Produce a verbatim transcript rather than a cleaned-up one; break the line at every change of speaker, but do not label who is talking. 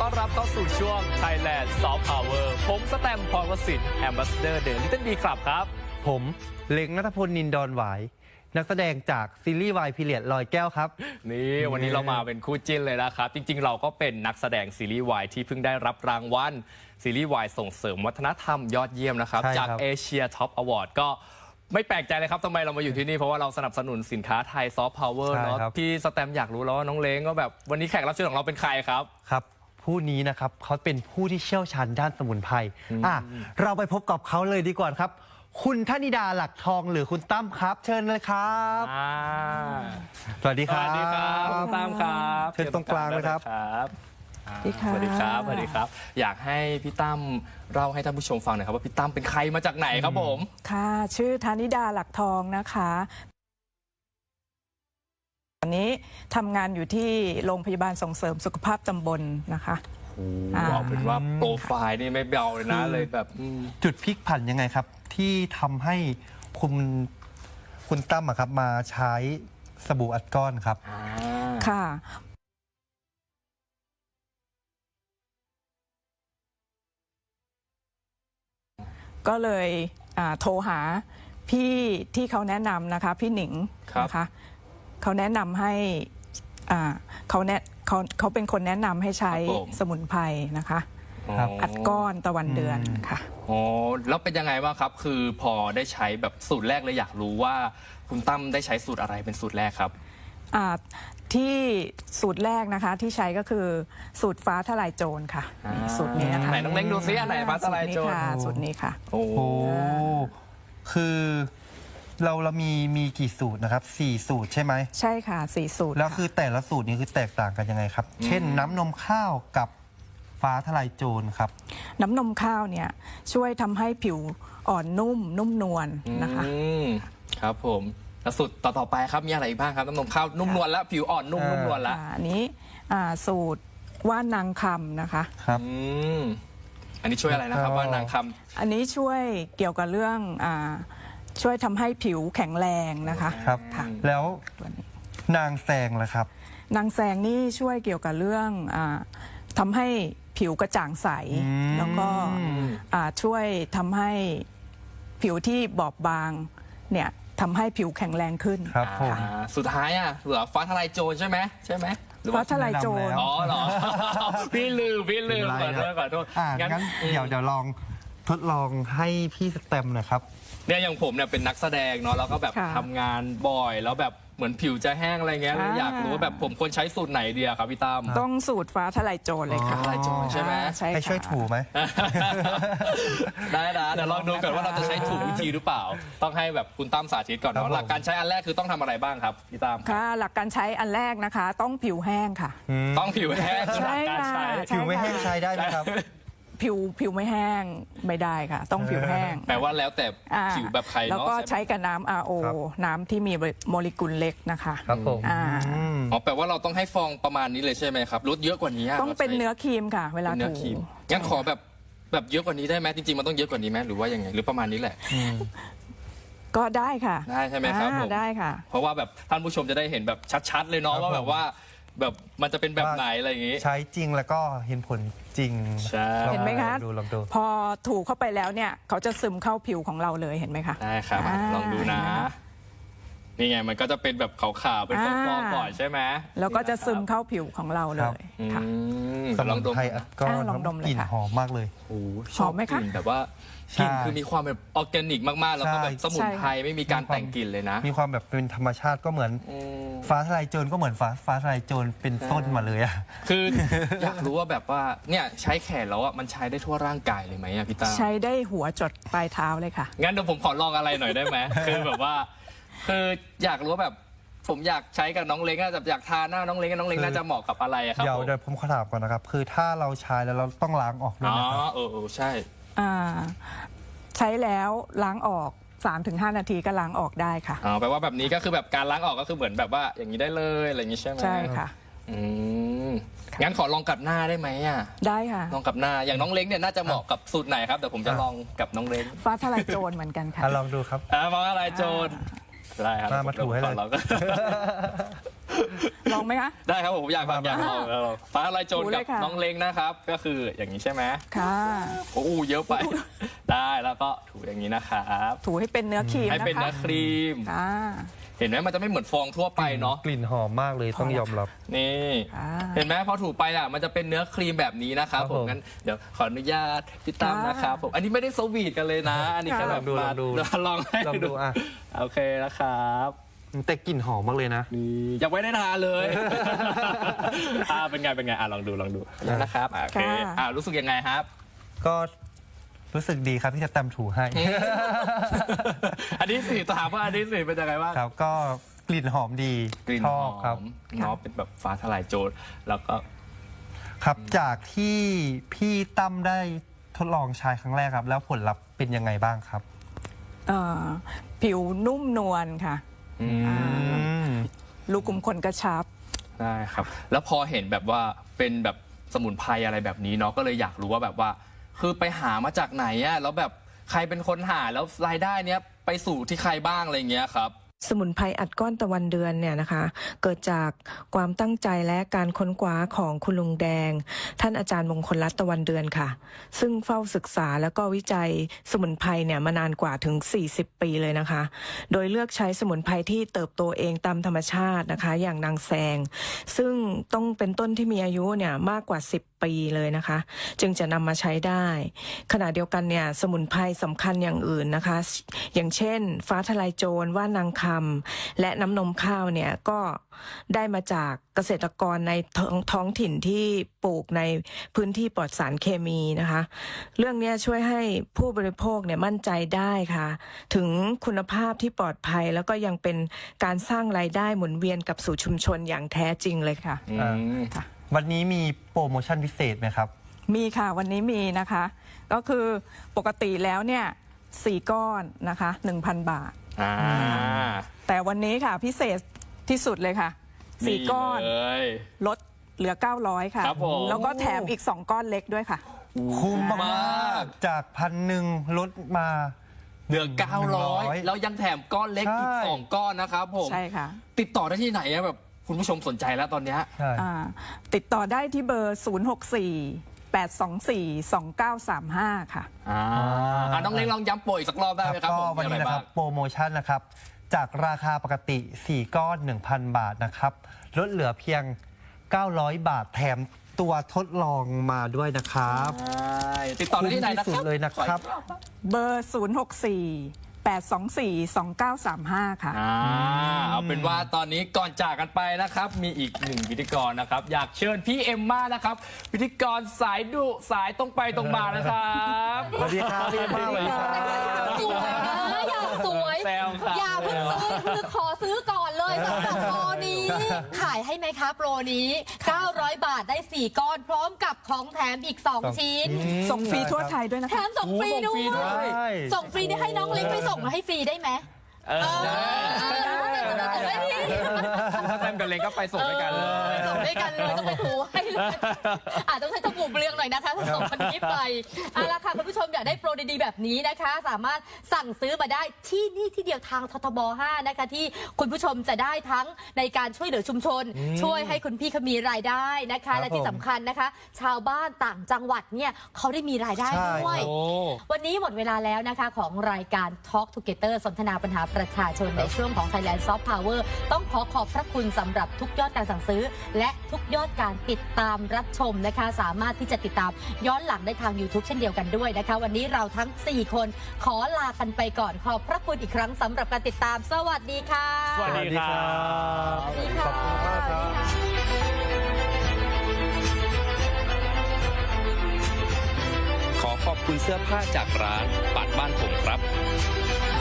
ต้อนรับเข้าสู่ช่วง Thailand Soft Power ผมสแตมป์ พรวสิทธิ์ Ambassador The Little Big Club ครับ
ผมเล็งณัฐพล นินดอนหวายนักแสดงจากซีรีส์วายพีเรียดลอยแก้วครับ
นี่วันนี้เรามาเป็นคู่จิ้นเลยนะครับจริงๆเราก็เป็นนักแสดงซีรีส์วายที่เพิ่งได้รับรางวัลซีรีส์วายส่งเสริมวัฒนธรรมยอดเยี่ยมนะครับจากเอเชียท็อปอวอร์ดก็ไม่แปลกใจเลยครับทำไมเรามาอยู่ที่นี่เพราะว่าเราสนับสนุนสินค้าไทยซอฟต์พาวเวอร์เนาะพี่สแตมอยากรู้แล้วว่าน้องเล้งก็แบบวันนี้แขกรับเชิญของเราเป็นใครครับ
ครับผู้นี้นะครับเขาเป็นผู้ที่เชี่ยวชาญด้านสมุนไพรอ่ะเราไปพบกับเขาเลยดีกว่าครับคุณธนิดาหลักทองหรือคุณตั้มครับเชิญเลยครับสวัสดีครับ
สวัสดีครับคุณตั้มครับ
เชิญตรงกลางเลยครับ
สวัสดีครับสวัสดีครับอยากให้พี่ตั้มเล่าให้ท่านผู้ชมฟังหน่อยครับว่าพี่ตั้มเป็นใครมาจากไหนครับผม
ค่ะชื่อธนิดาหลักทองนะคะตอนนี้ทำงานอยู่ที่โรงพยาบาลส่งเสริมสุขภาพตำบลนะคะ
บอกเป็นว่าโปรไฟล์นี่ไม่เบาเลยนะเลยแบบ
จุดพลิกผันยังไงครับที่ทำให้คุณคุณตั้มครับมาใช้สบู่อัดก้อนครับ
ค่ะก็เลยโทรหาพี่ที่เขาแนะนำนะคะพี่หนิงนะคะเขาแนะนำให้เขาแนะเขาเขาเป็นคนแนะนำให้ใช้สมุนไพรนะคะอัดก้อนตะวันเดือนค่ะ
อ๋อแล้วเป็นยังไงบ้างครับคือพอได้ใช้แบบสูตรแรกเลยอยากรู้ว่าคุณตั้มได้ใช้สูตรอะไรเป็นสูตรแรกครับ
ที่สูตรแรกนะคะที่ใช้ก็คือสูตรฟ้าทลายโจรค่ะสูตรนี้นะคะ
ไหนน้องเล้งดูซิอันไหนฟ้าทลายโจร
สูตรนี้ค่ะ
โอ้คือเราเรามีมีกี่สูตรนะครับสี่สูตรใช่ไหม
ใช่ค่ะสี่สูตร
แล้วคือแต่ละสูตรนี้คือแตกต่างกันยังไงครับเช่นน้ำนมข้าวกับฟ้าทลายโจรครับ
น้ำนมข้าวเนี่ยช่วยทำให้ผิวอ่อนนุ่มนุ่มนวลนะคะ
ครับผมแล้วสูตรต่อๆไปครับมีอะไรบ้างครับน้ำนมข้าวนุ่มนวลแล้วผิวอ่อนนุ่มนุ่มนวลแล้ว
อันนี้สูตรว่านางคำนะคะ
ครับ
อันนี้ช่วยอะไรนะครับว่านางคำ
อันนี้ช่วยเกี่ยวกับเรื่องช่วยทำให้ผิวแข็งแรงนะคะ
ครับแล้วนางแซงล่ะครับ
นางแซงนี่ช่วยเกี่ยวกับเรื่องทำให้ผิวกระจ่างใสแล้วก็ช่วยทำให้ผิวที่บอบบางเนี่ยทำให้ผิวแข็งแรงขึ้น
ครับผม
สุดท้ายอ่ะเหลือฟ้าทลายโจรใช่ไหมใช่ไหม
ฟ้าทลายโจร
อ๋อเหรอพี่ลืมพี่ลืมขอโทษขอโทษ
งั้นเดี๋ยวเดี๋ยวลองทดลองให้พี่สแตมป์นะครับ
เนี่ยอย่างผมเนี่ยเป็นนักแสดงเนาะแล้วก็แบบทำงานบ่อยแล้วแบบเหมือนผิวจะแห้งอะไรเงี้ยอยากรู้ว่าแบบผมควรใช้สูตรไหนดีครับพี่ตั้ม
ต้องสูตรฟ้าทลายโจรเลยค่ะ
ทลายโจรใช่ไหม
ให้ช่วยถูไหม
ได้นะเดี๋ยวลองดูก่อนว่าเราจะใช้ถูกวิธีหรือเปล่าต้องให้แบบคุณตั้มสาธิตก่อนเนาะหลักการใช้อันแรกคือต้องทำอะไรบ้างครับพี่ตั้ม
ค่ะหลักการใช้อันแรกนะคะต้องผิวแห้งค่ะ
ต้องผิวแห้ง
ใช่ค่ะ
ผิวไม่แห้งใช้ได้ไหมครับ
ผิวผิวไม่แห้งไม่ได้ค่ะต้องผิวแห้ง
แปลว่าแล้วแต่ผิวแบบใครเนาะ
แล้วก็ใช้กับน้ำ อาร์ โอ น้ำที่มีโมเลกุลเล็กนะคะ
ครับผม
อ๋อแปลว่าเราต้องให้ฟองประมาณนี้เลยใช่ไหมครับลดเยอะกว่านี้
ต้องเป็นเนื้อครีมค่ะเวลาถู
งั้นขอแบบแบบเยอะกว่านี้ได้ไหมจริงๆมันต้องเยอะกว่านี้ไหมหรือว่ายังไงหรือประมาณนี้แหละ
ก็ได้ค่ะ
ได้ใช่ไหมครับผม
ได้ค่ะ
เพราะว่าแบบท่านผู้ชมจะได้เห็นแบบชัดๆเลยเนาะว่าแบบว่าแบบมันจะเป็นแบบไหนอะไรอย่างงี้
ใช้จริงแล้วก็เห็นผลจริง
เห็นไหมคะ
ดูลองดู
พอถูเข้าไปแล้วเนี่ยเขาจะซึมเข้าผิวของเราเลยเห็นไหมคะ
ได้ครับลองดูนะนี่ไงมันก็จะเป็นแบบขาวๆเป็นฟองๆก่อนใช่ไหม
แล้วก็จะซึมเข้าผิวของเราเลยค่ะ
ลองดมก็ลองดมกลิ่นหอมมากเลย
โอ้ชอบไหมคะกลิ่นแบบว่ากลิ่นคือมีความแบบออร์แกนิกมากๆแล้วก็แบบสมุนไพรไม่มีการแต่งกลิ่นเลยนะ
มีความแบบเป็นธรรมชาติก็เหมือนฟ้าทลายโจรก็เหมือนฟ้าฟ้าทลายโจรเป็นต้นมาเลยอะ
คืออยากรู้ว่าแบบว่าเนี่ยใช้แขนแล้วอะมันใช้ได้ทั่วร่างกายเลยไหมอะพี่ตา
ใช้ได้หัวจดปลายเท้าเลยค่ะ
งั้นเดี๋ยวผมขอลองอะไรหน่อยได้ไหมคือแบบว่าคืออยากรู้ว่าแบบผมอยากใช้กับน้องเล้งอะอยากทาหน้าน้องเล้งน้องเล้งน่าจะเหมาะกับอะไรครับ
เดี๋ยวเดี๋ยวผมขอถามก่อนนะครับคือถ้าเราใช้แล้วเราต้องล้างออกด้วยนะครับ
อ๋อเออใช่
อ่าใช้แล้วล้างออก สามถึงห้า นาทีก็ล้างออกได้ค่ะ
อ๋อแปลว่าแบบนี้ก็คือแบบการล้างออกก็คือเหมือนแบบว่าอย่างนี้ได้เลยอะไรอย่างนี้ใช่ไหม
ใช่ค่ะ
อืมงั้นขอลองกับหน้าได้ไหมอ่ะ
ได้ค่ะ
ลองกับหน้าอย่างน้องเล้งเนี่ยน่าจะเหมาะกับสูตรไหนครับเดี๋ยวผมจะลองกับน้องเล้ง
ฟ้าทลายโจรเหมือนกันค่ะ
ลองดูครับ
ฟ้าทลายโจรได้ครับ
มาถูให้เลย
ลองไหมคะ
ได้ครับผมอยากฟังอยากลองอยากลองฟ้าทลายโจร
ถู
กั
เล
บ
ยค่ะ
น้องเล้งนะครับ ก็คืออย่างนี้ใช่ไหม
ค่ะ
โอ้โหเยอะไป ได้แล้วก็ถูอย่างนี้นะครับ
ถูให้เป็นเนื้อครีม
ให้
นะคะ
เป็นเนื้อครีม
ค่ะ
เห็นไหมมันจะไม่เหมือนฟองทั่วไปเนาะ
กลิ่นหอมมากเลยต้องยอมรับ
นี่
ค่ะ
เห็นไหมพอถูไปอ่ะมันจะเป็นเนื้อครีมแบบนี้นะครับ
ครับ
ผ
ผม ม
งั้นเดี๋ยวขออนุญาตพี่ตั้ม
ค่ะ
นะครับผมอันนี้ไม่ได้สวีทกันเลยนะ อันนี้แค่แบบ
ลองดู
มา
ลองดู
ลองให้
ลองดูอ่ะ
โอเคนะครับ
แต่กลิ่นหอมมากเลยนะ
นี่ยังไม่ได้ทานเลย อ่าเป็นไงเป็นไงอ่ะลองดูลองดูนะครับอ่ะโอเค
ค่ะ
อ่ะรู้สึกยังไงครับ
ก็รู้สึกดีครับที่จะตำถูให้
อันนี้สิถามว่าอันนี้สิเป็นยังไงบ้าง
ครับก็กลิ่นหอมดี
กลิ่น
ช
ห
อ
อบ
ครับ
มเนาะเป็นแบบฟ้าทลายโจรแล้วก็
ครับจากที่พี่ตั้มได้ทดลองใช้ครั้งแรกครับ แล้วผลลัพธ์เป็นยังไงบ้างครับ
เอ่อผิวนุ่มนวลค่ะ
อืม
อืม
รูขุมขนกระชับ
ได้ครับ แล้วพอเห็นแบบว่าเป็นแบบสมุนไพรอะไรแบบนี้เนาะก็เลยอยากรู้ว่าแบบว่า คือไปหามาจากไหนอะแล้วแบบใครเป็นคนหาแล้วรายได้เนี้ยไปสู่ที่ใครบ้างอะไรเงี้ยครับ
สมุนไพรอัดก้อนตะวันเดือนเนี่ยนะคะเกิดจากความตั้งใจและการค้นคว้าของคุณลุงแดง ท่านอาจารย์มงคลรัตน์ตะวันเดือนค่ะ ซึ่งเฝ้าศึกษาแล้วก็วิจัยสมุนไพรเนี่ยมานานกว่าถึงสี่สิบปีเลยนะคะ โดยเลือกใช้สมุนไพรที่เติบโตเองตามธรรมชาตินะคะ อย่างนางแซง ซึ่งต้องเป็นต้นที่มีอายุเนี่ยมากกว่าสิบปีเลยนะคะ จึงจะนำมาใช้ได้ ขณะเดียวกันเนี่ยสมุนไพรสำคัญอย่างอื่นนะคะ อย่างเช่น ฟ้าทลายโจรว่านางคำและน้ำนมข้าวเนี่ยก็ได้มาจากเกษตรกรในท้องท้องถิ่นที่ปลูกในพื้นที่ปลอดสารเคมีนะคะ เรื่องนี้ช่วยให้ผู้บริโภคเนี่ยมั่นใจได้ค่ะ ถึงคุณภาพที่ปลอดภัยแล้วก็ยังเป็นการสร้างรายได้หมุนเวียนกับสู่ชุมชนอย่างแท้จริงเลยค่ะ
อืม
ค่ะ
วันนี้มีโปรโมชั่นพิเศษไหมครับ
มีค่ะวันนี้มีนะคะ ก็คือปกติแล้วเนี่ยสี่ก้อนนะคะ หนึ่งพัน บาท
อ่า
แต่วันนี้ค่ะพิเศษที่สุดเลยค่ะสี่ก้อน
เลย
ลดเหลือ เก้าร้อย ค่ะ
ครับผม
แล้วก็แถมอีกสองก้อนเล็กด้วยค่ะ
คุ้ม
มาม
าก กจากพันหนึ่งลดมา
เหลือเก้าร้อย
หนึ่งร้อย
แล้วยังแถมก้อนเล็กอีก
ใช่
สองก้อนนะครับผม
ใช่ค่ะ
ติดต่อได้ที่ไหนอะแบบคุณผู้ชมสนใจแล้วตอนเนี้ย
ใช่
อ่าติดต่อได้ที่เบอร์ ศูนย์ หก สี่ แปด สอง สี่ สอง เก้า สาม ห้า ค่ะ
อ่าอ่ะน้องเล้งลองย้ำโปรอีกสักรอบได้ไหมครับ
ก็
ผม
วันนี้นะครั
มีอไาง
บโปรโมชั่นนะครับ จากราคาปกติ สี่ ก้อน หนึ่งพัน บาทนะครับลดเหลือเพียง เก้าร้อย บาทแถมตัวทดลองมาด้วยนะครับ
ใช่ติดต่อได้ที่ไหนนะค
คุ้มที่สุ
รับ
ดเลยนะครับ
เบอร์ ศูนย์ หก สี่ แปด สอง สี่ สอง เก้า สาม ห้า ค่ะ
อ่าเอาเป็นว่าตอนนี้ก่อนจากกันไปนะครับ มีอีกหนึ่งพิธีกรนะครับ อยากเชิญพี่เอมม่านะครับ พิธีกรสายดุสายตรงไปตรงมานะครับ
สวัสดีครับพี่เอมม่าสวัสดีครับ
สวยนะอยากสวย
แซวครับ
อย่าเพิ่งซื้อคือขอซื้อก่อนเลยสำหรับโปรนี้ ขายให้ไหมคะโปรนี้ เก้าร้อย บาทได้ สี่ ก้อน พร้อมกับของแถมอีก สอง ชิ้น
ส่งฟรีทั่วไทยด้วยนะ
แถ
คะ
มส่งฟรีด้ว
โอ้ส่งฟรีด้วย
ย ส่งฟรีได้ให้น้องเล็กไปส่งมาให้ฟรีได้ไหม
เออ
ได้ได้ได้ได้
ถ้าแซมกับเล้งก็ไปส่งด้วยกันเลย
ส่งด้วยกันเลยต้องไปถูให้เลยอาจต้องใช้ตะปูเปลืองหน่อยนะคะถ้าส่งคนนี้ไปเอาละค่ะคุณผู้ชมอยากได้โปรดีๆแบบนี้นะคะ สามารถสั่งซื้อมาได้ที่นี่ที่เดียวทางททบ ห้านะคะที่คุณผู้ชมจะได้ทั้งในการช่วยเหลือชุมชน ช่วยให้คุณพี่เขามีรายได้นะคะ และที่สำคัญนะคะ ชาวบ้านต่างจังหวัดเนี่ยเขาได้มีรายได้
ใช่
ด้วย
โอ้
วันนี้หมดเวลาแล้วนะคะของรายการ Talk Together สนทนาปัญหาประชาชนในช่วงของ Thailand Soft Power ต้องขอขอบพระคุณสำหรับทุกยอดการสั่งซื้อ และทุกยอดการติดตามรับชมนะคะ สามารถที่จะติดตามย้อนหลังได้ทาง YouTube เช่นเดียวกันด้วยนะคะ วันนี้เราทั้ง สี่ คนขอลากันไปก่อนขอบพระคุณอีกครั้งสำหรับการติดตามสวัสดีค่ะ
สวัสดีครับ
สวัสดีค่ะ
ขอบคุณมากครับ
ขอขอบคุณเสื้อผ้าจากร้านปัดบ้านผมครับ